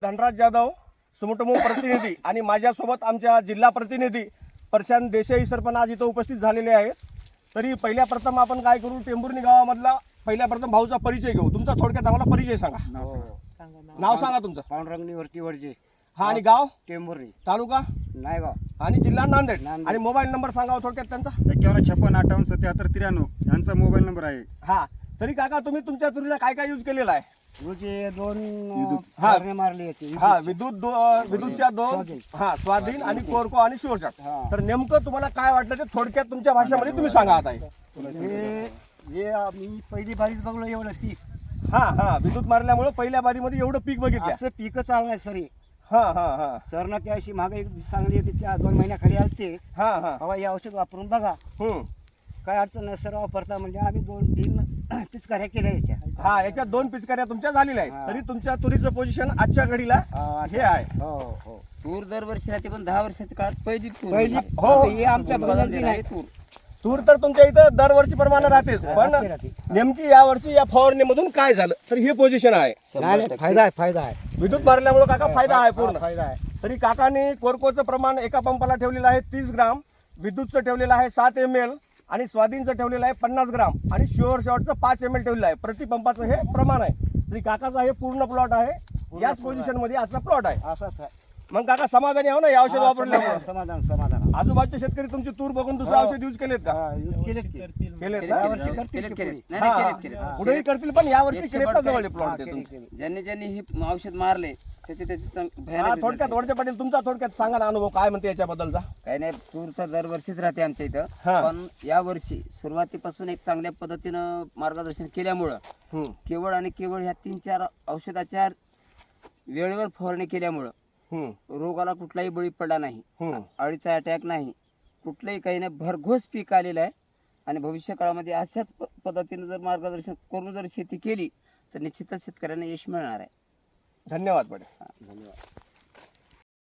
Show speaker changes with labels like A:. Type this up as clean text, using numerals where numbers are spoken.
A: धनराज जाधव सुमटमो प्रतिनिधी आणि माझ्यासोबत आमच्या जिल्हा प्रतिनिधी प्रशांत देसाई सर पण आज इथं उपस्थित झालेले आहेत. तरी पहिल्या प्रथम आपण काय करू, टेंभुर्णी गावामधला पहिल्या प्रथम भाऊचा परिचय घेऊ. तुमचा थोडक्यात आम्हाला परिचय सांगा. नाव सांगा तुमचं.
B: पांडुरंग निवर्ती वडजे.
A: हा, आणि गाव
B: टेंभुर्णी,
A: तालुका
B: नायगाव
A: आणि जिल्हा नांदेड. आणि मोबाईल नंबर सांगा थोडक्यात त्यांचा.
C: 5156587773 यांचा मोबाईल नंबर आहे.
A: हा, तरी काका तुम्ही तुमच्या तुरीला काय काय यूज केलेला आहे?
B: रोजे 2
A: हा.
B: फवारणी मारली होती.
A: हा, विद्युतच्या 2 स्वाधीन आणि कोरको आणि शिवशाट. तर नेमकं तुम्हाला काय वाटलं ते थोडक्यात तुमच्या भाषेमध्ये तुम्ही सांगा आता.
B: हे मी पहिली बारीच बघलो एवढं पीक.
A: हा, विद्युत मारल्यामुळे पहिल्या बारीमध्ये एवढं पीक बघितलं.
B: असं पीकच आलं नाही सर.
A: हा
B: सरनं त्या अशी मागे चांगली होती, 2 महिन्याखाली आलते.
A: हा
B: हवा हे औषध वापरून बघा, काय अडचण नाही सर. वापरता म्हणजे आम्ही 2-3 पिचकाऱ्या केल्या याच्या.
A: हा, याच्यात 2 पिचकाऱ्या तुमच्या झालेल्या आहेत. तरी तुमच्या तुरीचं पोझिशन आजच्या घडीला हे आहे.
B: हो.
D: तूर दरवर्षी राहते, पण 10 वर्षाच्या काळात पहिली
B: पहिली
A: हो,
B: हे आमच्या बदलती नाही.
A: तूर तर तुमच्या इथं दरवर्षी प्रमाणे राहतेच, पण नेमकी या वर्षी या फवारणीमधून काय झालं तर हे पोझिशन आहे.
B: नाही, फायदा आहे.
A: विद्युत मारल्यामुळे काका फायदा आहे पूर्ण.
B: फायदा आहे.
A: तरी काकांनी कोरकोचं प्रमाण एका पंपाला ठेवलेलं आहे 30 ग्राम, विद्युतचं ठेवलेलं आहे 7 ml आणि स्वाधीनचं ठेवलेलं आहे 50 ग्राम आणि शुअर शॉटचं 5 ml ठेवलेलं आहे. प्रति पंपाचं हे प्रमाण आहे. तरी काकाचा हे पूर्ण प्लॉट आहे. याच पोझिशन मध्ये आजचा प्लॉट आहे.
B: असंच आहे.
A: मग काका समाधानी आहो ना या औषध वापरल्यामुळे?
B: समाधान.
A: आजूबाजूचे शेतकरी तुमची तूर बघून दुसरं औषध यूज केलेत का?
B: यूज केलेत
A: ना? पुढेही करतील, पण या वर्षी केलेत का जवळ प्लॉट?
D: ज्यांनी हे औषध मारले त्याचे
A: थोडक्यात वडजे पाटील तुमचा थोडक्यात सांगा ना अनुभव काय म्हणते याच्याबद्दलचा.
D: काही नाही, तूर तर दरवर्षीच राहते आमच्या इथं, पण या वर्षी सुरुवातीपासून एक चांगल्या पद्धतीनं मार्गदर्शन केल्यामुळं केवळ आणि केवळ ह्या 3-4 औषधाच्या वेळेवर फवारणी केल्यामुळं रोगाला कुठलाही बळी पडला नाही, अळीचा अटॅक नाही, कुठलंही काही नाही, भरघोस पीक आलेलं आहे. आणि भविष्य काळामध्ये अशाच पद्धतीने जर मार्गदर्शन करून जर शेती केली तर निश्चितच शेतकऱ्यांना यश मिळणार आहे.
A: धन्यवाद पाटील.
B: धन्यवाद.